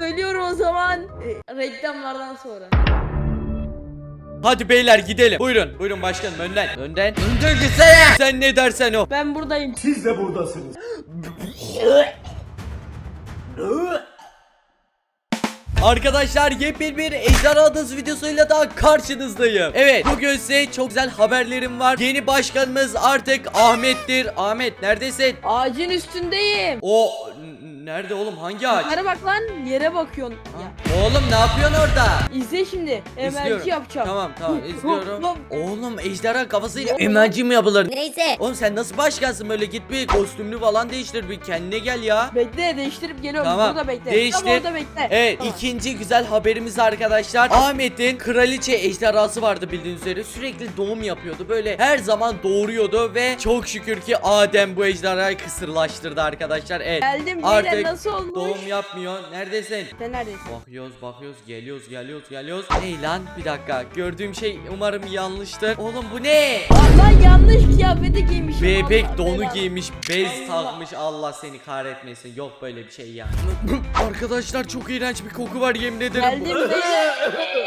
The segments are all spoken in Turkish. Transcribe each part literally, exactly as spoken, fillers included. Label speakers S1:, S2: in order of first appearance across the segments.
S1: Söylüyorum o zaman. E, reklamlardan sonra.
S2: Hadi beyler gidelim. Buyurun. Buyurun başkanım önden. Önden. Önden gitsene. Sen ne dersen o.
S1: Ben buradayım.
S3: Siz de buradasınız.
S2: Arkadaşlar yepyeni bir Ejderha Adası videosuyla daha karşınızdayım. Evet, bugün size çok güzel haberlerim var. Yeni başkanımız artık Ahmet'tir. Ahmet neredesin?
S1: Ağacın üstündeyim.
S2: O nerede oğlum, hangi ağaç?
S1: Yukarı bak lan, yere bakıyorsun. Ya.
S2: Oğlum ne yapıyorsun orada?
S1: İzle şimdi. Emelci yapacağım.
S2: Tamam tamam izliyorum.
S1: Hop,
S2: Oğlum ejderha kafasıyla emelci mi yapılır?
S4: Neyse.
S2: Oğlum sen nasıl başkansın böyle, git bir kostümlü falan değiştir, bir kendine gel ya.
S1: Bekle, değiştirip geliyorum.
S2: Tamam,
S1: Burada bekle.
S2: değiştir.
S1: Tam orada bekle.
S2: Evet,
S1: Tamam.
S2: ikinci güzel haberimiz arkadaşlar. Ahmet'in kraliçe ejderhası vardı bildiğiniz üzere. Sürekli doğum yapıyordu. Böyle her zaman doğuruyordu ve çok şükür ki Adem bu ejderhayı kısırlaştırdı arkadaşlar. Evet.
S1: Geldim.
S2: Artık
S1: Beyler nasıl olmuş?
S2: doğum yapmıyor. Neredesin?
S1: Sen neredesin?
S2: Bakıyoruz bakıyoruz geliyoruz geliyoruz geliyoruz. Ney lan, bir dakika, gördüğüm şey umarım yanlıştır. Oğlum bu ne?
S1: Allah, yanlış kıyafeti giymişim.
S2: Bebek
S1: Allah
S2: donu
S1: belanı.
S2: giymiş, bez
S1: Allah.
S2: takmış, Allah seni kahretmesin. Yok böyle bir şey ya. Arkadaşlar çok iğrenç bir koku var, yemin ederim.
S1: Geldim beyler.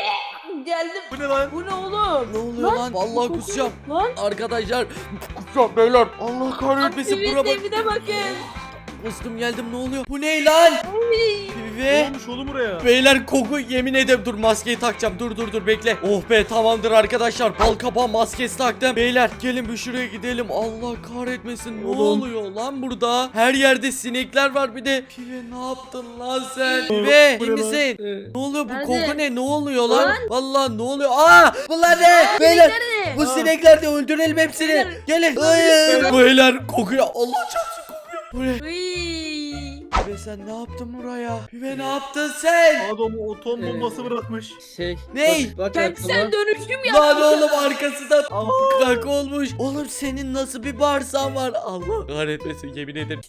S1: Geldim.
S3: Bu ne lan?
S1: Bu ne oğlum?
S2: Ne oluyor lan? Vallahi
S1: koku-
S2: kusacağım.
S1: Lan.
S2: Arkadaşlar kusacağım beyler. Allah kahretmesin, bura bak.
S1: Evine bakın.
S2: Kustum geldim, ne oluyor? Bu ne lan?
S1: Uy.
S3: Ne
S2: Ve
S3: olmuş oğlum buraya?
S2: beyler koku, yemin ederim, dur maskeyi takacağım, dur dur dur bekle. Oh be, tamamdır arkadaşlar, bal kabağı maskesi taktım. Beyler gelin bir şuraya gidelim, Allah kahretmesin. Ne
S3: Oğlum.
S2: oluyor lan burada? Her yerde sinekler var, bir de Pive ne yaptın lan sen?
S3: Oğlum,
S2: Pive
S3: bu
S2: iyi
S3: ne lan?
S2: misin? Ne oluyor, bu
S1: Nerede?
S2: koku ne? Ne oluyor lan?
S1: Lan.
S2: Vallahi ne oluyor? Aa, bunlar ne? Beyler
S1: Nerede?
S2: bu
S3: Aa.
S2: sinekler de, öldürelim hepsini.
S1: Beyler.
S2: Gelin. Hayır. Beyler kokuyor, Allah çarpsın kokuyor. Bu ne?
S1: Uy.
S2: Pive sen ne yaptın buraya? Pive ne yaptın sen?
S3: Adamı otom bombası bırakmış.
S5: Şey.
S2: Ney?
S5: Bak, bak
S1: Kentsel
S5: aklıma.
S1: dönüşüm ya.
S2: Lan oğlum arkası da kak olmuş. Oğlum senin nasıl bir bağırsağın var? Allah kahretmesin, yemin ederim.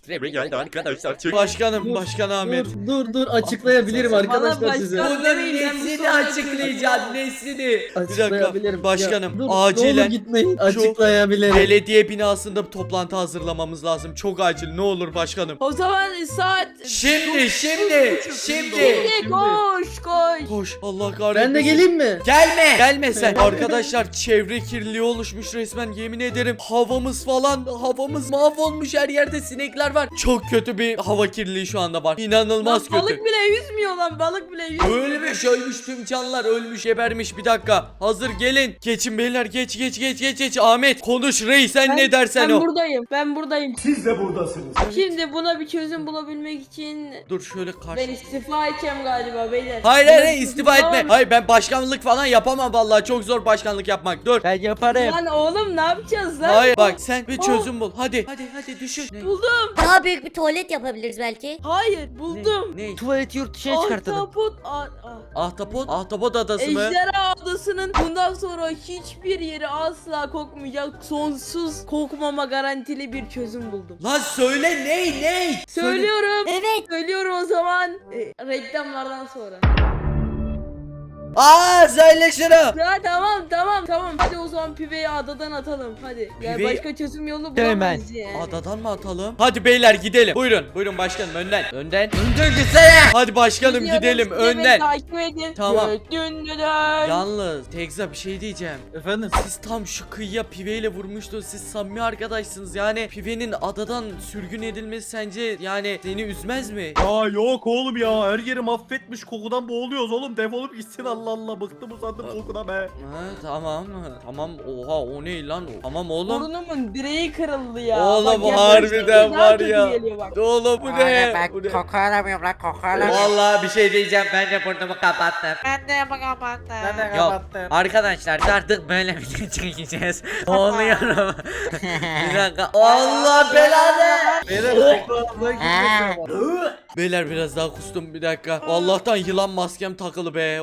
S2: Başkanım,
S5: Dur,
S2: Başkan Ahmet.
S5: Dur dur dur açıklayabilirim
S1: Bana
S5: arkadaşlar
S1: başkan-
S5: size.
S1: Bana-
S2: Bunun
S1: Ben bu
S2: nesini
S1: soruya
S2: açıklayacağım, nesini? Bir dakika,
S5: Açıklayabilirim.
S2: başkanım
S5: Ya, dur, Ne olur
S2: acilen
S5: gitmeyin. Açıklayabilirim.
S2: belediye binasında bir toplantı hazırlamamız lazım. Çok acil, ne olur başkanım.
S1: O zaman saat.
S2: Şimdi şimdi şimdi.
S1: Şimdi koş koş.
S2: Koş, Allah kahretmesin.
S5: Ben de geleyim mi?
S2: Gelme. Gelme sen. Arkadaşlar çevre kirliliği oluşmuş resmen, yemin ederim. Havamız falan, havamız mahvolmuş, her yerde sinekler var. Çok kötü bir hava kirliliği şu anda var. İnanılmaz
S1: Lan
S2: kötü.
S1: balık bile yüzmüyor lan, balık bile yüzmüyor.
S2: Ölmüş ölmüş tüm canlılar, ölmüş gebermiş. Bir dakika, hazır gelin. Geçin beyler, geç geç geç geç geç. Ahmet konuş, reis sen
S1: Ben-
S2: ne dersen
S1: ben
S2: o.
S1: buradayım. Ben buradayım.
S3: Siz de buradasınız.
S1: Şimdi buna bir çözüm bulabilmek için
S2: Dur şöyle karşı.
S1: ben istifa edeceğim galiba beyler.
S2: Hayır
S1: Buna
S2: hayır
S1: bir
S2: hayır,
S1: çözüm
S2: istifa etme.
S1: bulamam.
S2: Hayır, ben başkanlık falan yapamam vallahi, çok zor başkanlık yapmak. Dur.
S5: Ben yaparım.
S1: Lan oğlum ne yapacağız lan?
S2: Hayır bak, sen bir çözüm bul. Hadi hadi hadi düşün. Ne?
S1: Buldum.
S4: Daha büyük bir tuvalet yapabiliriz belki.
S1: Hayır buldum.
S2: Ne?
S5: Tuvaleti yurt dışına çıkartalım.
S1: Ahtapot. a- a-
S2: Ahtapot? Ahtapot adası mı?
S1: Ejderha Adası'nın bundan sonra hiçbir yeri asla kokmayacak, sonsuz kokmama garantili bir çözüm buldum.
S2: Lan söyle, ney ney?
S1: Söylüyorum.
S4: Evet.
S1: Söylüyorum o zaman. E, reklamlardan sonra.
S2: Aa söyle şunu.
S1: Ya tamam tamam tamam. Hadi o zaman Pive'yi adadan atalım. Hadi. Ya
S2: Piveyi-
S1: başka çözüm yolu
S5: Hemen.
S1: bulamayız yani.
S2: Adadan mı atalım? Hadi beyler gidelim. Buyurun. Buyurun başkanım, önden. Önden. Önden gitsene. Hadi başkanım
S1: Gidiyorum,
S2: gidelim
S1: siz de beni
S2: önden.
S1: Takip edin.
S2: Tamam.
S1: Döndüler.
S2: Yalnız Tekza bir şey diyeceğim.
S5: Efendim?
S2: Siz tam şu kıyıya Pive'yle vurmuştunuz. Siz samimi arkadaşsınız. Yani Pive'nin adadan sürgün edilmesi sence yani seni üzmez mi?
S3: Ya yok oğlum ya, her yeri mahvetmiş, kokudan boğuluyoruz oğlum, defolup gitsin, Allah Allah, bıktım usandım kokudan be.
S2: Ha, tamam. Tamam. Oha o ne lan o? Tamam oğlum.
S1: Burnumun direği kırıldı ya.
S2: Oğlum,
S1: Bak,
S2: harbiden
S1: yaklaştıkça daha
S2: var
S1: kötü
S2: ya.
S1: geliyor bak.
S2: Oğlum bu ne?
S6: Ben
S2: Bu ne?
S6: koku alamıyorum lan, koku alamıyorum.
S2: Vallahi bir şey diyeceğim, ben de burnumu kapattım.
S6: Ben de kapattım. Ben de
S2: Yok
S6: kapattım.
S2: arkadaşlar, artık böyle video çekeceğiz. Oluyorum. Bir dakika. Allah belanı.
S3: Beyler koku ağzına gitmesin ama.
S2: Beyler biraz daha kustum, bir dakika. Allah'tan yılan maskem takılı be. Oh bir dakika.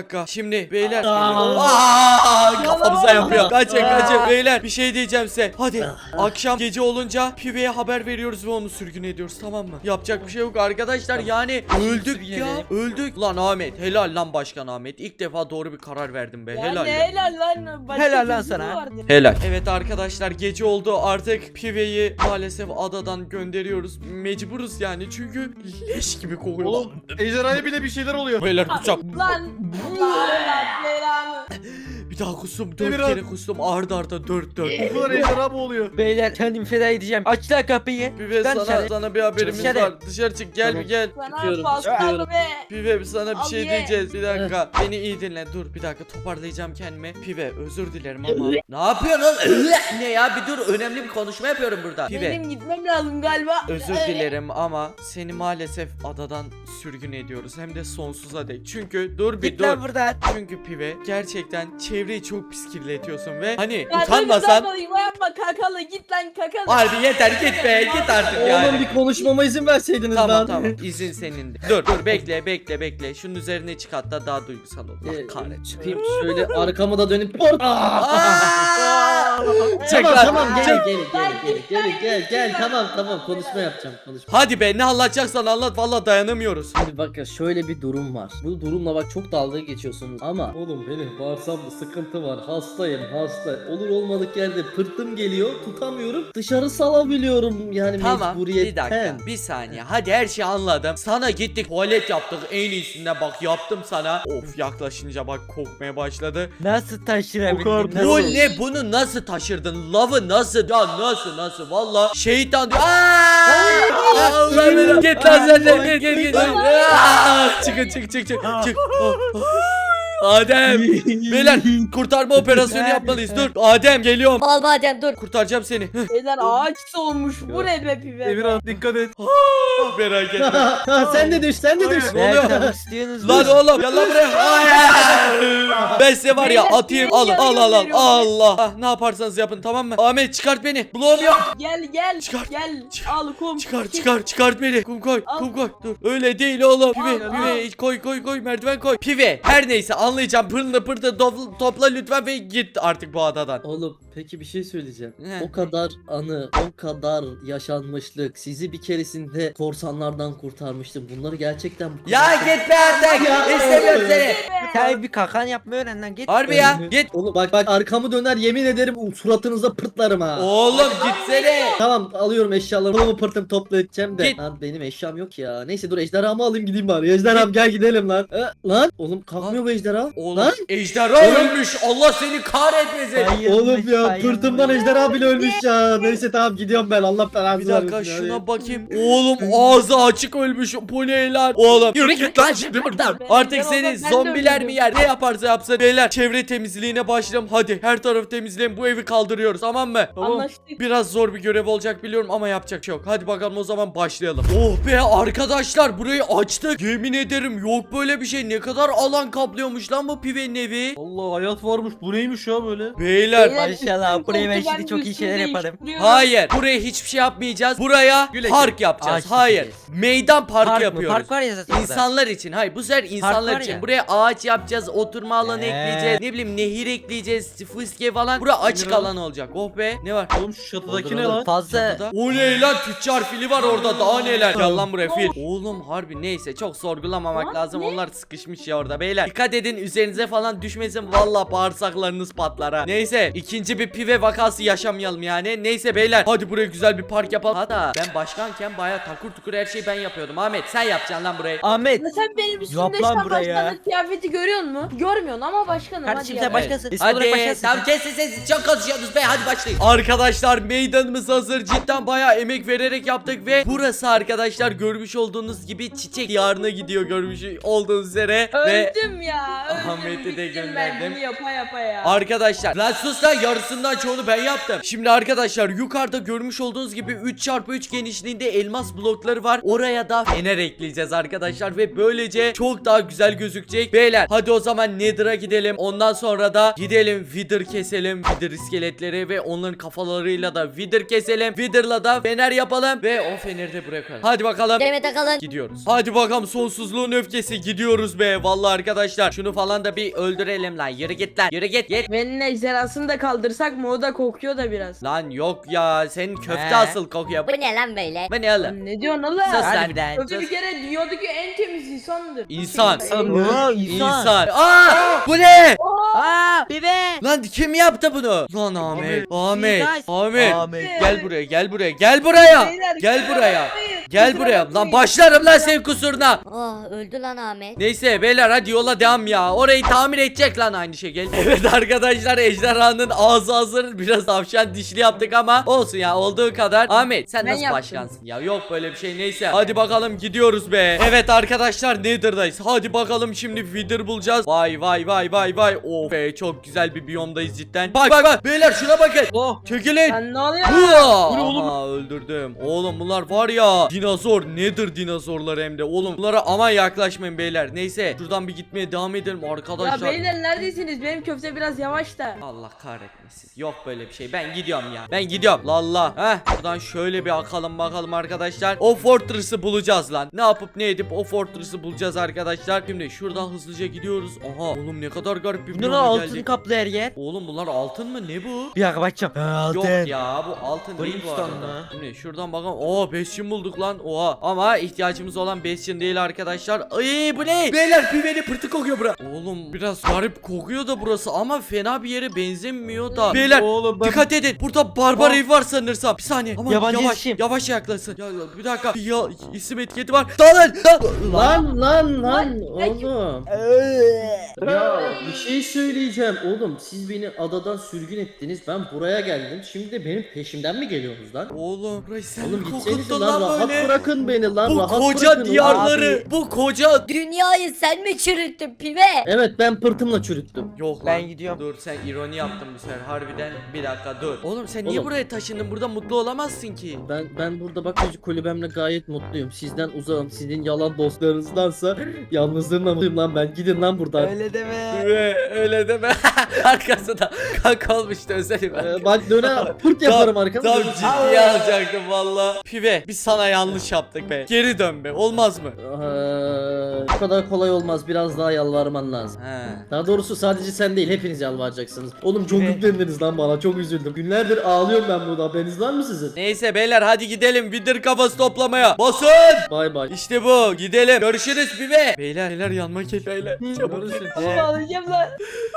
S2: dakika. Şimdi beyler.
S5: Aa.
S2: Aa, kafamıza yapıyor. Kaçın
S5: Aa.
S2: kaçın beyler. Bir şey diyeceğim size. Hadi akşam gece olunca Pive'ye haber veriyoruz ve onu sürgün ediyoruz, tamam mı? Yapacak bir şey yok arkadaşlar. Yani öldük
S5: Sürgün
S2: ya.
S5: edelim.
S2: Öldük. Lan Ahmet, helal lan başkan Ahmet. İlk defa doğru bir karar verdim be.
S1: Ya
S2: Helal.
S1: ne
S2: ya.
S1: helal lan. Başka
S7: Helal lan
S1: çözümü
S7: sana.
S1: vardı.
S2: Helal. Evet arkadaşlar, gece oldu. Artık Pive'yi maalesef adadan gönderiyoruz. Mecburuz yani, çünkü leş gibi kokuyor.
S3: Oğlum ejderhaya bile bir şeyler oluyor.
S2: Beyler kusacağım.
S1: Lan. Lan belanı.
S2: Bir daha kustum. Dört
S3: Emirhan.
S2: kere kustum. Arda arda dört dört.
S3: Bu kadar ejderha mı oluyor?
S7: Beyler kendimi feda edeceğim. Aç lan kapıyı.
S2: Pive,
S7: Sen
S2: sana,
S7: dışarı.
S2: sana bir haberimiz
S7: Dışarı.
S2: var. Dışarı çık, gel
S5: Tamam.
S2: bir gel.
S1: Sana
S5: Çıkıyorum,
S1: fazla
S5: çıkıyorum.
S1: be.
S2: Pive, sana bir şey
S1: Abi.
S2: diyeceğiz. Bir dakika. Beni iyi dinle. Dur bir dakika, toparlayacağım kendimi. Pive, özür dilerim ama. Ne yapıyorsun oğlum? Ne ya, bir dur. Önemli bir konuşma yapıyorum burada. Pive,
S1: Benim gitmem lazım galiba.
S2: özür dilerim ama seni maalesef adadan sürgün ediyoruz. Hem de sonsuza dek. Çünkü dur bir
S7: Git
S2: dur.
S7: lan buradan.
S2: Çünkü Pive, gerçekten çevreyi çok pis kirletiyorsun ve hani
S1: Ya
S2: utanmasan.
S1: dur, dur, yapma kakalı git lan kakalı.
S2: Harbi yeter, git be, git artık yani.
S5: Oğlum bir konuşmama izin verseydiniz
S2: Tamam
S5: lan.
S2: tamam, izin senindi. Dur dur, bekle bekle bekle. Şunun üzerine çık, hatta daha duygusal ol. Allah
S5: Ee,
S2: kahretsin.
S5: Çıkayım şöyle arkama da dönüp Aa!
S2: Aa! Çık
S5: Tamam
S2: lan,
S5: tamam
S2: çık.
S5: gel gel gel gel gel gel gel tamam tamam konuşma yapacağım konuşma.
S2: Hadi be, ne anlatacaksan anlat, vallahi dayanamıyoruz.
S5: Şimdi bak ya, şöyle bir durum var. Bu durumla bak çok dalga geçiyorsunuz ama oğlum benim bağırsamda sıkıntı var. Hastayım hasta. Olur olmadık yerde pırtım geliyor. Tutamıyorum. Dışarı salabiliyorum yani
S2: Tamam, bir
S5: mecburiyetten.
S2: dakika, bir saniye. Hadi her şeyi anladım. Sana gittik, tuvalet yaptık en iyisinde, bak yaptım sana. Of, yaklaşınca bak kokmaya başladı.
S7: Nasıl taşırabildin?
S3: Kokar.
S7: Nasıl?
S2: Bu ne, bunu nasıl taşırdın? Lavı nasıl? Ya nasıl nasıl? Valla şeytan diyor. Aaaa! Allah belanı. Git lan sen de, git git git. Aa! Çıkın çık çık çık. Çık. Oh, oh. Adem. Beyler, kurtarma operasyonu yapmalıyız. Dur. Adem, geliyorum.
S4: Al Adem dur.
S2: Kurtaracağım seni.
S1: Beyler ağaç olmuş. Bu ne be pibe?
S3: Emirhan dikkat et.
S2: Merak etme.
S5: Ha, sen de düş sen de düş.
S2: Ne oluyor?
S7: Ne yapmak istiyorsunuz?
S2: Lan oğlum, gel lan buraya. Hayır. Ben size var ya atayım. Al al al al. Allah. Ah, ne yaparsanız yapın, tamam mı? Ahmet, çıkart beni. Bloğum yok.
S1: Gel gel.
S2: Çıkar.
S1: Gel.
S2: Çıkar.
S1: Al kum.
S2: Çıkar çıkar çıkart beni. Kum koy.
S1: Al.
S2: Kum koy. Dur. Öyle değil oğlum. Pive
S1: Al,
S2: pive koy koy koy, merdiven koy. Pive. Her neyse, anlayacağım. Pırlı pırtı topla, topla lütfen ve git artık bu adadan.
S5: Oğlum peki bir şey söyleyeceğim.
S2: Ne?
S5: O kadar anı, o kadar yaşanmışlık. Sizi bir keresinde korsanlardan kurtarmıştım. Bunları gerçekten bu
S2: Ya
S5: kadar-
S2: git be artık.
S5: Ya.
S2: İstemiyorum seni.
S7: Sen bir kakan yapmayı öğren lan git.
S2: Harbi ya. Git.
S5: Oğlum bak bak arkamı döner yemin ederim suratınıza pırtlarım ha.
S2: Oğlum gitsene.
S5: Tamam alıyorum eşyalarımı bunu pırtım topla edeceğim de.
S2: Git.
S5: Lan benim eşyam yok ya. Neyse dur ejderhamı alayım gideyim bari. Ejderham gel gidelim lan. E, lan oğlum kalkmıyor bu ejderha.
S2: Oğlum
S5: Lan
S2: ejderha
S5: Oğlum.
S2: ölmüş. Allah seni kahretmesin.
S7: Bayılmış,
S5: oğlum ya
S7: bayılmış.
S5: pırtımdan ejderha bile ölmüş ya. Neyse tamam gidiyorum ben Allah belanı
S2: Bir dakika,
S5: vermesin ya.
S2: şuna bakayım. Oğlum ağzı açık ölmüş. Bu ne lan? Oğlum yürü git lan şimdi buradan.
S1: Ben-
S2: Artık
S1: ben
S2: seni
S1: olsam ben de
S2: zombiler mi
S1: öldürürüm.
S2: yer? Ne yaparsa yapsın. Beyler, çevre temizliğine başlayalım. Hadi her tarafı temizleyin. Bu evi kaldırıyoruz, tamam mı?
S1: Anlaştık.
S2: Biraz zor bir görev olacak biliyorum ama yapacak şey yok. Hadi bakalım o zaman başlayalım. Oh be arkadaşlar, burayı açtık. Yemin ederim yok böyle bir şey. Ne kadar alan kaplıyormuş lan bu Pive'nin evi.
S3: Allah, hayat varmış. Bu neymiş ya böyle?
S2: Beyler,
S1: Beyler,
S7: Maşallah,
S1: üstün
S7: buraya ben
S1: koltuğu
S7: şimdi çok iyi
S1: üstünde
S7: şeyler yaparım.
S1: değiştiriyorum.
S2: hayır, buraya hiçbir şey yapmayacağız. Buraya
S7: Güle
S2: park
S7: güle.
S2: yapacağız.
S7: Ağaç
S2: Hayır.
S7: dikeceğiz.
S2: Meydan parkı
S7: Park mı?
S2: yapıyoruz.
S7: Park var ya zaten burada.
S2: İnsanlar için. Hayır, bu sefer insanlar
S7: var
S2: için.
S7: ya.
S2: Buraya ağaç yapacağız, oturma alanı
S7: Ee.
S2: ekleyeceğiz. Ne bileyim, nehir ekleyeceğiz, fıskiye falan. Bura açık
S3: Emirhan.
S2: alan olacak. Oh be. Ne var?
S3: Oğlum şu çatıdaki
S5: Olur,
S3: ne
S5: olur.
S3: lan?
S7: Fazla
S2: Çatıda. O ne lan, tüccar fili var orada, daha neler. Gel lan buraya fil. Oğlum harbi neyse, çok sorgulamamak
S1: Lan
S2: lazım.
S1: ne?
S2: Onlar sıkışmış ya orada beyler. Dikkat edin, üzerinize falan düşmesin, valla bağırsaklarınız patlar ha. Neyse, ikinci bir pive vakası yaşamayalım yani. Neyse beyler, hadi buraya güzel bir park yapalım. Hatta ben başkanken baya takur tukur her şeyi ben yapıyordum. Ahmet, sen yapacaksın lan burayı.
S7: Ahmet.
S1: Ya sen benim
S7: Yap
S1: üstümde
S7: lan
S1: şu an
S7: buraya.
S1: başkanlık kıyafeti görüyor musun? Görmüyorsun ama başkanım.
S7: Kardeşim
S1: hadi
S7: sen
S1: yap.
S7: başkasın. İsim olarak
S2: Hadi
S7: başkasın.
S2: tamam, kesin sessiz, çok konuşuyorsunuz be, hadi başlayın. Arkadaşlar, meydanımız hazır. Cidden bayağı emek vererek yaptık ve burası arkadaşlar görmüş olduğunuz gibi çiçek diyarına gidiyor, görmüş olduğunuz üzere. Ve
S1: Öldüm ya. Öldüm.
S2: Ahmet'i de
S1: bittim ben
S2: gönderdim.
S1: bunu yapa yapa ya.
S2: arkadaşlar, lan sus lan, yarısı yarısından çoğunu ben yaptım. Şimdi arkadaşlar yukarıda görmüş olduğunuz gibi üç çarpı üç genişliğinde elmas blokları var. Oraya da fener ekleyeceğiz arkadaşlar ve böylece çok daha güzel gözükecek. Beyler hadi o zaman Nether'a gidelim. Ondan sonra da gidelim Wither keselim. Wither iskeletleri ve onların kafalarıyla da Wither keselim. Wither'la da fener yapalım ve o feneri de buraya koyalım. Hadi bakalım.
S4: Demet Akalın.
S2: Gidiyoruz. Hadi bakalım sonsuzluğun öfkesi gidiyoruz be. Vallahi arkadaşlar şunu falan da bir öldürelim lan. Yürü git lan. Yürü git. Git.
S1: Venin ejderhasını da kaldırsak mı, o da kokuyor da biraz.
S2: Lan yok ya. Senin köfte
S7: He.
S2: asıl kokuyor.
S4: Bu ne lan böyle?
S2: Bu ne oğlum?
S1: Lan ne diyorsun oğlum?
S2: Sus lan.
S7: Harbiden.
S1: Köfte bir kere dünyadaki en temiz insandır.
S2: İnsan.
S7: Oo,
S2: İnsan. Aa! Bu ne?
S7: Aa, bibe.
S2: Lan kim yaptı bunu? Lan Ahmet. Ahmet.
S7: Guys.
S2: Ahmet.
S7: Ahmet.
S2: Gel buraya. Gel buraya. Gel buraya.
S1: Beyler,
S2: Gel
S1: kusura
S2: buraya.
S1: bakmayın,
S2: Gel
S1: kusura
S2: buraya. Lan
S1: bakmayın.
S2: başlarım lan senin kusuruna.
S4: Oh, öldü lan Ahmet.
S2: Neyse beyler hadi yola devam ya. Orayı tamir edecek lan aynı şekil. Evet arkadaşlar ejderhanın ağzı hazır. Biraz tavşan dişli yaptık ama olsun ya, olduğu kadar. Ahmet sen
S1: Ben
S2: nasıl
S1: yaptım.
S2: başkansın ya? Yok böyle bir şey, neyse. Hadi bakalım gidiyoruz be. Evet arkadaşlar Nether'dayız. Hadi bakalım şimdi Wither bulacağız. Vay vay vay vay vay. Of be çok güzel bir biyomdayız cidden. Bak bak bak beyler şuna bakın.
S3: Oh.
S2: Çekilin.
S1: Lan ne oluyor?
S2: Hua!
S3: Bu ne oğlum?
S2: Aha, öldürdüm. Oğlum bunlar var ya dinozor, nedir dinozorlar hem de. Oğlum bunlara aman yaklaşmayın beyler. Neyse şuradan bir gitmeye devam edelim
S1: Ya
S2: arkadaşlar.
S1: beyler neredesiniz? Benim köfte biraz yavaş da.
S2: Allah kahretmesin. Yok böyle bir şey. Ben gidiyorum ya. Ben gidiyorum. Lalla. Heh. Buradan şöyle bir akalım bakalım arkadaşlar. O fortress'ı bulacağız lan. Ne yapıp ne edip o fortress'ı bulacağız arkadaşlar. Şimdi şuradan hızlıca gidiyoruz. Aha. Oğlum ne kadar garip bir
S7: Bu ne
S2: biyoma
S7: lan, altın
S2: geldik.
S7: kaplı her yer.
S2: Oğlum bunlar altın mı? Ne bu?
S7: Bir dakika bakacağım. Ha, altın.
S2: Yok ya bu altın değil bu
S7: Brimstone
S2: arada.
S7: mu?
S2: Şimdi şuradan bakalım. Oo Bastion bulduk lan. Oha. Ama ihtiyacımız olan Bastion değil arkadaşlar. Ay bu ne? Beyler piveni pırtı kokuyor bura. Oğlum biraz garip kokuyor da burası ama fena bir yere benzemiyor da. Beyler
S3: Oğlum ben...
S2: dikkat edin. Burada barbar
S3: Oh.
S2: ev var sanırsam. Bir saniye. Aman
S7: Yabancı
S2: yavaş.
S7: isim.
S2: Yavaş yaklaşsın. Ya, ya, bir dakika. Ya isim etiketi var. Dalın.
S5: Lan lan lan oğlum. Ya bir şey söyleyeceğim oğlum, siz beni adadan sürgün ettiniz, ben buraya geldim, şimdi de benim peşimden mi geliyorsunuz lan?
S2: Oğlum burayı sen
S5: Oğlum
S2: mi
S5: gitsenize
S2: kokuttun
S5: lan,
S2: lan
S5: rahat
S2: böyle?
S5: bırakın beni lan,
S2: Bu
S5: rahat
S2: koca
S5: bırakın ulan.
S2: diyarları. Bu koca.
S4: Dünyayı sen mi çürüttün pibe?
S5: Evet ben pırtımla çürüttüm.
S2: Yok lan.
S7: Ben gidiyorum.
S2: Dur sen ironi yaptın bu sefer harbiden. Bir dakika dur. Oğlum sen niye
S5: Oğlum.
S2: buraya taşındın? Burada mutlu olamazsın ki.
S5: Ben ben burada bakıcı kulübemle gayet mutluyum. Sizden uzağım. Sizin yalan dostlarınızdansa yalnızlığımla mutluyum lan ben. Gidin lan buradan.
S7: Öyle deme.
S2: Ve öyle deme. Arkasında kanka olmuştu özelim.
S5: Ee, bak döne pırt yaparım arkamda.
S2: Tam ciddiye alacaktım valla. Pive biz sana yanlış yaptık be. Geri dön be, olmaz mı?
S5: Ee, bu kadar kolay olmaz. Biraz daha yalvarman lazım.
S2: He.
S5: Daha doğrusu sadece sen değil, hepiniz yalvaracaksınız. Oğlum çok yüklendiniz lan bana, çok üzüldüm. Günlerdir ağlıyorum ben burada, haberiniz var mı sizin?
S2: Neyse beyler hadi gidelim Wither kafası toplamaya. Basın.
S5: Bay bay.
S2: İşte bu. Gidelim. Görüşürüz Pive. Beyler beyler yanma gel beyler. Çabuk.
S1: Oğlum ağlayacağım lan.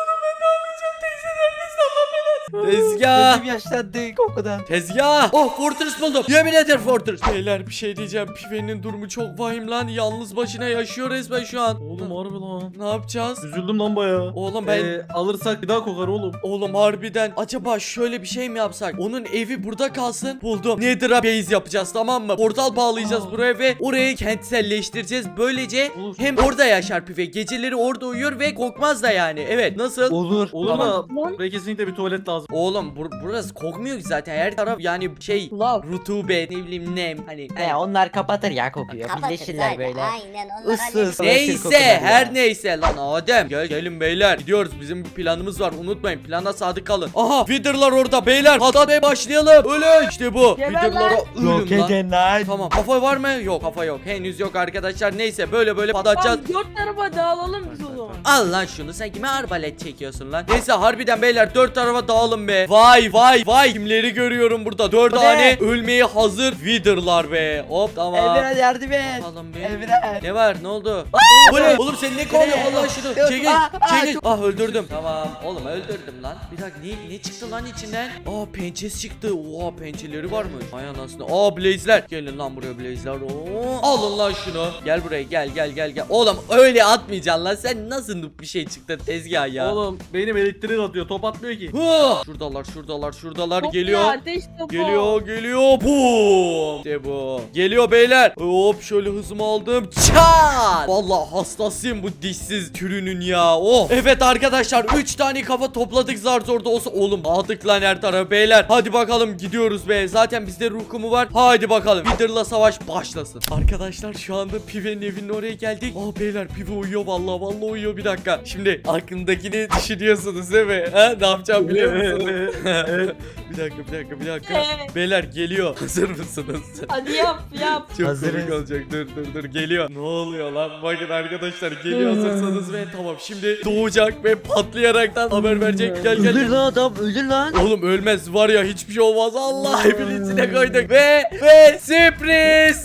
S2: Tezgah.
S7: Gözüm yaşlandı kokudan.
S2: Tezgah. Oh fortress buldum. Yemin ederim fortress. Beyler bir şey diyeceğim. Pive'nin durumu çok vahim lan. Yalnız başına yaşıyor resmen şu an.
S3: Oğlum harbi lan.
S2: Ne yapacağız?
S3: Üzüldüm lan bayağı.
S2: Oğlum ben
S3: Ee, alırsak bir daha kokar oğlum.
S2: Oğlum harbiden acaba şöyle bir şey mi yapsak? Onun evi burada kalsın. Buldum. Nether'a base yapacağız, tamam mı? Portal bağlayacağız
S3: Aa.
S2: buraya ve orayı kentselleştireceğiz. Böylece
S3: Olur.
S2: hem orada yaşar Pive. Geceleri orada uyur ve kokmaz da yani. Evet nasıl?
S7: Olur.
S3: Olur
S2: Tamam.
S3: da
S1: Lan.
S3: buraya kesinlikle bir tuvalet lazım.
S2: Oğlum bur burası kokmuyor ki zaten. Her taraf yani şey
S1: Lav.
S2: rutubet, ne bileyim nem. Hani
S7: Ne onlar kapatır ya kokuyor.
S4: Kapatın
S7: Birleşirler
S4: zaten,
S7: böyle.
S4: aynen onlar
S7: Issız.
S4: halledin.
S7: Savaşır
S2: Neyse
S7: kokular ya.
S2: her neyse lan Adem gel gelin beyler, gidiyoruz, bizim bir planımız var, unutmayın, plana sadık kalın. Aha Wither'lar orada beyler, hadi başlayalım. Ölün işte bu
S1: Geber
S2: Wither'lara
S1: lan.
S7: Yok
S2: ölün lan.
S7: edin lan.
S2: Tamam, kafa var mı? Yok, kafa yok, henüz yok arkadaşlar. Neyse böyle böyle patlatacağız.
S1: Lan dört tarafa dağılalım biz o zaman.
S2: Al lan şunu, sen kime arbalet çekiyorsun lan? Neyse harbiden beyler dört tarafa dağılın be. Vay vay vay, kimleri görüyorum burada, dört
S7: Bu ne?
S2: tane ölmeye hazır Wither'lar be. Hop tamam.
S7: Emirhan yardım et.
S2: Alın be.
S7: Emirhan.
S2: Ne var, ne oldu? Bu ne? Oğlum sen ne kovuyorsun Allah şunu? Çekil
S7: Aa, aa,
S2: çekil. Ah öldürdüm. Tamam oğlum öldürdüm lan. Bir dakika ne, ne çıktı lan içinden? Aa pençesi çıktı. Oha pençeleri var mı? Ay anasını. Aa blaze'ler. Gelin lan buraya blaze'ler. Oo. Alın lan şunu. Gel buraya gel gel gel gel. Oğlum öyle atmayacaksın lan. Sen nasıl noob bir şey çıktı tezgah ya.
S3: Oğlum benim elektrik atıyor, top atmıyor ki.
S2: Huh, Allah. Şuradalar şuradalar şuradalar
S1: Top
S2: geliyor.
S1: ya, ateş topu.
S2: Geliyor geliyor. Bum. İşte bu. Geliyor beyler. Hop şöyle hızımı aldım. Çat. Vallahi hastasıyım bu dişsiz türünün ya. Oh. Evet arkadaşlar üç tane kafa topladık zar zor da olsa. Oğlum aldık lan her tarafı beyler. Hadi bakalım gidiyoruz be. Zaten bizde ruh kumu var. Hadi bakalım. Wither'la savaş başlasın. Arkadaşlar şu anda Pive'nin evinin oraya geldik. Aa beyler Pive uyuyor vallahi vallahi uyuyor bir dakika. Şimdi aklındakini düşünüyorsunuz değil mi? Ha ne yapacağım biliyor musunuz? Bir dakika bir dakika bir dakika.
S1: Evet.
S2: Beyler geliyor. Hazır mısınız?
S1: Hadi yap yap.
S2: Çok
S7: Hazırız.
S2: komik olacak. Dur dur dur geliyor. Ne oluyor lan? Bakın arkadaşlar geliyor hazırsanız ve tamam şimdi doğacak ve patlayaraktan haber verecek. Gel gel.
S7: Ölür lan adam ölür lan.
S2: Oğlum ölmez var ya hiçbir şey olmaz. Allah evin içine koyduk ve ve sürpriz.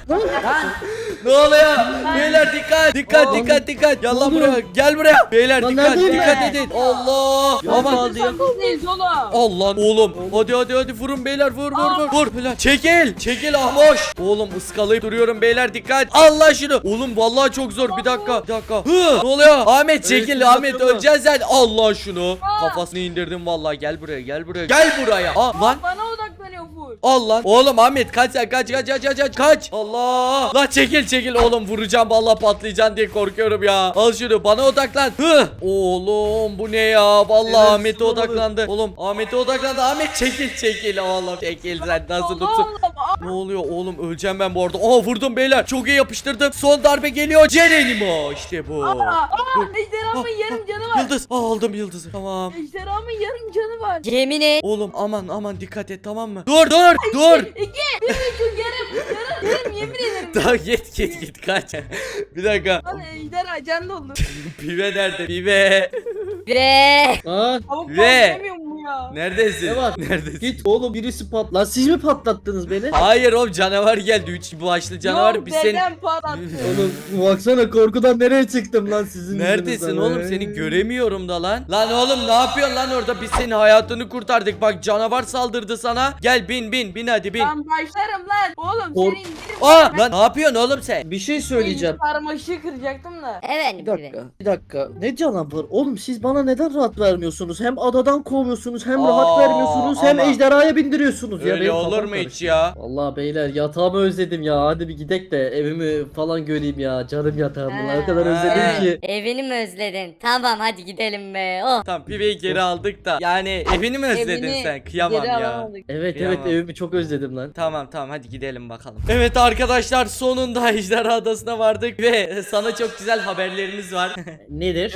S2: Ne oluyor? Beyler dikkat dikkat dikkat dikkat. Gel lan buraya. Gel buraya. Beyler
S5: Lan
S2: dikkat
S5: neredeyim
S2: dikkat
S5: ben?
S2: edin. Allah. Aman.
S1: Hadi sakızdayız oğlum.
S2: Allah oğlum. Hadi hadi hadi vurun beyler vur vur vur. Vur beyler. Çekil. Çekil ahmoş. Oğlum ıskalayıp duruyorum beyler dikkat. Allah şunu. Oğlum vallahi çok zor. Bir dakika. Bir dakika. Hı. Ne oluyor? Ahmet çekil
S5: Evet,
S2: Ahmet
S5: bakın mı?
S2: öleceksin sen. Allah şunu. Kafasını indirdim vallahi. Gel buraya gel buraya. Gel buraya. Aa lan.
S1: Bana odaklanıyor full.
S2: Al lan. Oğlum Ahmet kaç sen kaç kaç kaç kaç kaç kaç. Allah. Lan çekil çekil oğlum vuracağım vallahi patlayacaksın diye korkuyorum ya. Al şunu bana odaklan. Hı. Oğlum bu ne ya? Vallahi
S3: Evet,
S2: Ahmet'e
S3: olmadı.
S2: odaklandı. Oğlum Ahmet'e odaklandı. Ahmet çekil çekil oğlum çekil sen nasıl
S1: Allah
S2: tutsun.
S1: Allah.
S2: Ne oluyor oğlum öleceğim ben bu arada. Aa vurdum beyler. Çok iyi yapıştırdım. Son darbe geliyor. Cerenimo işte bu.
S1: Aa, aa,
S2: Dur.
S1: ejderhamın yarım canı var.
S2: Yıldız. Aa, aldım yıldızı. Tamam.
S1: Ejderhamın yarım canı var.
S4: Yemin et.
S2: Oğlum aman aman dikkat et tamam mı? Dur dur dur.
S1: İki, bir buçuk yarım, yarım, yarım yemin ederim.
S2: Daha git git git kaç. Bir dakika.
S1: Lan ejderha can doldu.
S2: Pive nerede? Pive.
S4: Bre.
S5: Aa,
S1: Tavuk
S2: Ve-
S1: patlamıyor mu ya?
S2: Neredesin?
S5: Ne var?
S2: Neredesin?
S5: git oğlum birisi pat. Lan siz mi patlattınız beni?
S2: Hayır oğlum canavar geldi. Üç başlı canavar.
S1: Yok,
S2: Biz seni...
S1: dedem patlattı.
S5: Oğlum baksana korkudan nereye çıktım lan sizin
S2: Neredesin
S5: yüzünüzden?
S2: oğlum? Seni göremiyorum da lan. Lan oğlum ne yapıyorsun lan orada? Biz senin hayatını kurtardık. Bak canavar saldırdı sana. Gel bin bin bin hadi bin.
S1: Lan başlarım lan. Oğlum
S5: Kork-
S1: seni indirim.
S2: Aa lan ne yapıyorsun oğlum sen?
S5: Bir şey söyleyeceğim.
S1: Sarmaşığı kıracaktım da.
S4: Evet.
S5: Bir dakika, bir dakika. Ne canavar? Oğlum siz bana neden rahat vermiyorsunuz? Hem adadan kovuyorsunuz, hem
S2: Aa,
S5: rahat vermiyorsunuz, hem
S2: ama-
S5: ejderhaya bindiriyorsunuz. ya
S2: Öyle
S5: benim
S2: olur
S5: kafam
S2: mu
S5: karıştı.
S2: hiç ya?
S5: Vallahi beyler yatağımı özledim ya. Hadi bir gidek de evimi falan göreyim ya. Canım yatağımı.
S1: He.
S5: O kadar özledim
S2: He.
S5: ki.
S4: Evini mi özledin? Tamam hadi gidelim be. Oh.
S2: Tamam piveyi geri aldık da. Yani evini mi özledin
S1: Evini
S2: sen? Kıyamam
S1: geri
S2: ya.
S1: alamadık.
S5: Evet
S2: Kıyamam.
S5: evet evimi çok özledim lan.
S2: Tamam tamam hadi gidelim bakalım. Evet arkadaşlar sonunda Ejderha Adası'na vardık ve sana çok güzel haberlerimiz var.
S5: Nedir?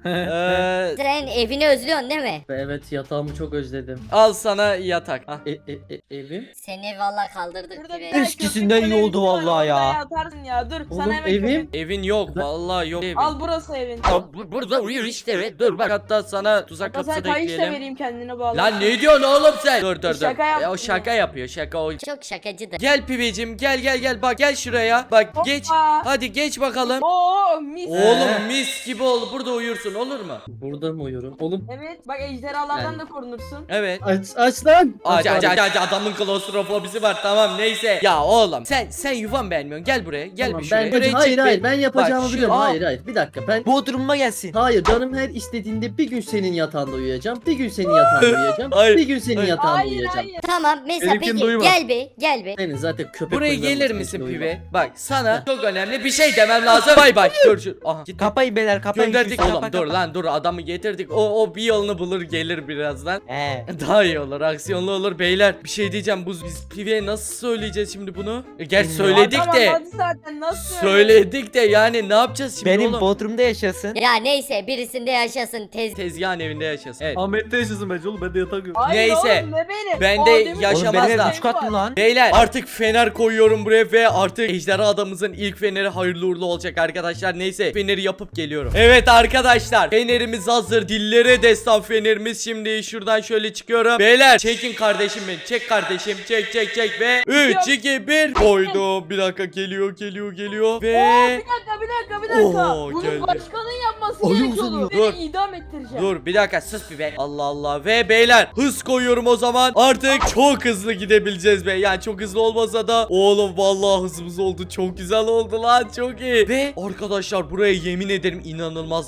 S2: Ee,
S4: Sen evini özlüyorsun değil mi?
S5: Evet yatağımı çok özledim.
S2: al sana yatak. Ah.
S5: E, e, e, evim?
S4: Seni vallahi kaldırdık
S1: Burada
S4: gibi.
S1: bir tane
S7: Eskisinden
S1: köpek
S7: iyi oldu
S1: kulübesi var,
S7: vallahi ya.
S1: oraya Atarsın ya. Dur
S5: Oğlum,
S1: sana hemen
S5: evim?
S1: köpek.
S2: Evin yok vallahi yok evin.
S1: Al burası evin.
S2: Burada uyuyor işte. Dur bak hatta sana tuzak
S1: Hatta sana
S2: kapısı da
S1: kayış da
S2: ekleyelim.
S1: vereyim kendine bağlı.
S2: Lan ne diyorsun oğlum sen? Dur dur dur.
S1: Şaka
S2: Ya, o
S1: yaptım
S2: şaka yapıyor şaka o.
S4: Çok şakacıdır.
S2: Gel pivecim gel gel gel bak gel şuraya. Bak
S1: Hoppa.
S2: geç. Hadi geç bakalım.
S1: Oo mis.
S2: Oğlum mis gibi ol. Burada uyursun olur mu?
S5: Burada mı uyuyorum? Oğlum
S1: Evet bak ejderhalardan
S5: Yani-
S1: da korunursun.
S2: Evet.
S5: aç, aç lan.
S2: Aç aç
S5: abi.
S2: aç aç adamın klostrofobisi var tamam neyse. Ya oğlum sen sen yuvan beğenmiyorsun gel buraya gel
S5: Tamam,
S2: bir şuraya.
S5: ben,
S2: Buraya
S5: hayır
S2: çık
S5: hayır
S2: bir-
S5: ben yapacağımı
S2: Bak, şu-
S5: biliyorum.
S2: Aa.
S5: Hayır hayır bir dakika ben
S7: Bodrum'uma gelsin.
S5: hayır canım her istediğinde bir gün senin yatağında uyuyacağım. Bir gün senin yatağında uyuyacağım.
S2: Hayır,
S5: Bir gün senin
S2: hayır.
S5: yatağında
S1: Hayır
S5: uyuyacağım.
S1: hayır.
S4: Tamam mesela
S3: Benimkini
S4: peki
S3: duyma.
S4: gel be gel be.
S5: Senin zaten köpek
S2: Buraya
S5: oyunlarına
S2: gelir
S5: başka
S2: misin
S5: hiçbir oyun
S2: pive?
S5: yok.
S2: Bak sana çok önemli bir şey demem lazım. Bay bay. Görüşürüz. Aha gitti.
S7: Kapayın beyler kapayın.
S2: Gönderdik
S7: Şu
S2: oğlum
S7: kapa,
S2: dur
S7: kapa.
S2: lan dur adamı getirdik. O o bir yolunu bulur gelir birazdan.
S7: He.
S2: Daha iyi olur aksiyonlu olur beyler. Bir şey diyeceğim bu biz piveye nasıl söyleyeceğiz şimdi bunu? E, gerçi söyledik
S1: Adam
S2: de.
S1: anladı zaten nasıl
S2: Söyledik de yani ne yapacağız şimdi
S7: Benim
S2: oğlum?
S7: Bodrum'da yaşasın.
S4: Ya neyse birisinde yaşasın tez.
S2: Tezgahın evinde yaşasın. Evet.
S3: Ahmet'te yaşasın bence oğlum ben de yatak yok.
S1: Hayır
S2: Neyse.
S1: oğlum ne benim.
S2: Ben
S1: O
S2: de
S1: demin-
S2: yaşamaz
S7: Oğlum benim
S2: da.
S7: ev üç katlı lan.
S2: Beyler artık fener koyuyorum buraya ve artık ejderha adamımızın ilk feneri hayırlı uğurlu olacak arkadaşlar. Neyse feneri yapıp geliyorum. Evet arkadaşlar fenerimiz hazır. Dillere destan fenerimiz. Şimdi şuradan şöyle çıkıyorum. Beyler çekin kardeşim beni. Çek kardeşim. Çek çek çek ve üç iki bir koydum. Bir dakika geliyor geliyor geliyor
S1: Oo,
S2: ve
S1: bir dakika bir dakika bir dakika.
S2: Oo,
S1: Bunu
S2: geldi.
S1: başkanın yapması
S5: Oyun
S1: gerekiyordu.
S5: uzanıyor.
S1: Beni
S2: Dur.
S1: idam ettireceğim.
S2: dur bir dakika sus bir be. Allah Allah ve beyler hız koyuyorum o zaman. Artık çok hızlı gidebileceğiz be. Yani çok hızlı olmasa da oğlum vallahi hızımız oldu. Çok güzel oldu lan. Çok iyi. Ve arkadaşlar buraya yemin ederim inanılmaz yakıştı ya.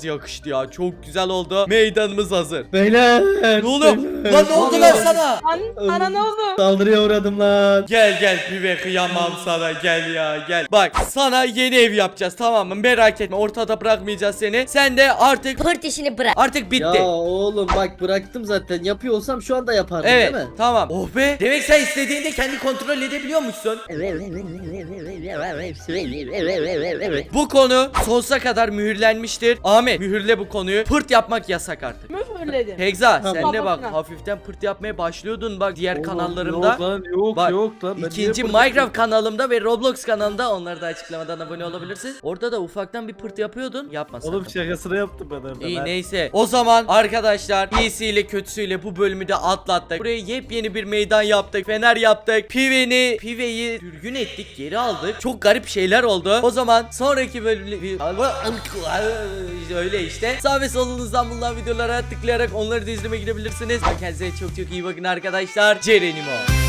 S2: ya. Çok güzel oldu. Meydanımız hazır.
S5: Beyler.
S2: Ne oluyor?
S5: beyler.
S2: Lan ne oldu lan sana?
S1: Lan sana ne oldu?
S5: Saldırıya uğradım lan.
S2: Gel gel pive, kıyamam sana, gel ya gel. Bak sana yeni ev yapacağız, tamam mı? Merak etme, ortada bırakmayacağız seni. Sen de artık
S4: Pırt işini bırak.
S2: artık bitti.
S5: Ya oğlum bak bıraktım zaten. Yapıyor olsam şu anda yapardım
S2: Evet
S5: değil mi?
S2: tamam. Oh be. Demek sen istediğinde kendi kontrol edebiliyormuşsun. Bu konu sonsuza kadar mühürlenmiştir. Ahmet mühürle bu konuyu. Pırt yapmak yasak artık.
S1: Müfürledim.
S2: Hegza
S5: Tamam.
S2: sen de bak
S1: Babasına.
S2: hafiften pırt yapmaya başlıyordun bak diğer
S3: Oğlum,
S2: kanallarımda.
S3: Yok lan yok
S2: Bak,
S3: yok lan. Ben
S2: İkinci
S3: niye
S2: Minecraft
S3: fırlatıyorum?
S2: kanalımda ve Roblox kanalımda, onları da açıklamadan abone olabilirsiniz. Orada da ufaktan bir pırt yapıyordun. Yapma sakın.
S3: Oğlum şakasını yaptım ben orada.
S2: İyi
S3: lan.
S2: neyse. O zaman arkadaşlar iyisiyle kötüsüyle bu bölümü de atlattık. Buraya yepyeni bir meydan yaptık. Fener yaptık. Pive'ni, Pive'yi sürgün ettik. Geri aldık. Çok garip şeyler oldu. O zaman sonraki bölümde öyle işte. Sağ ve solunuzdan bulunan videolara tıklayarak onları da izlemeye gidebilirsiniz. Kendinize çok çok iyi bakın arkadaşlar. Cerenimo.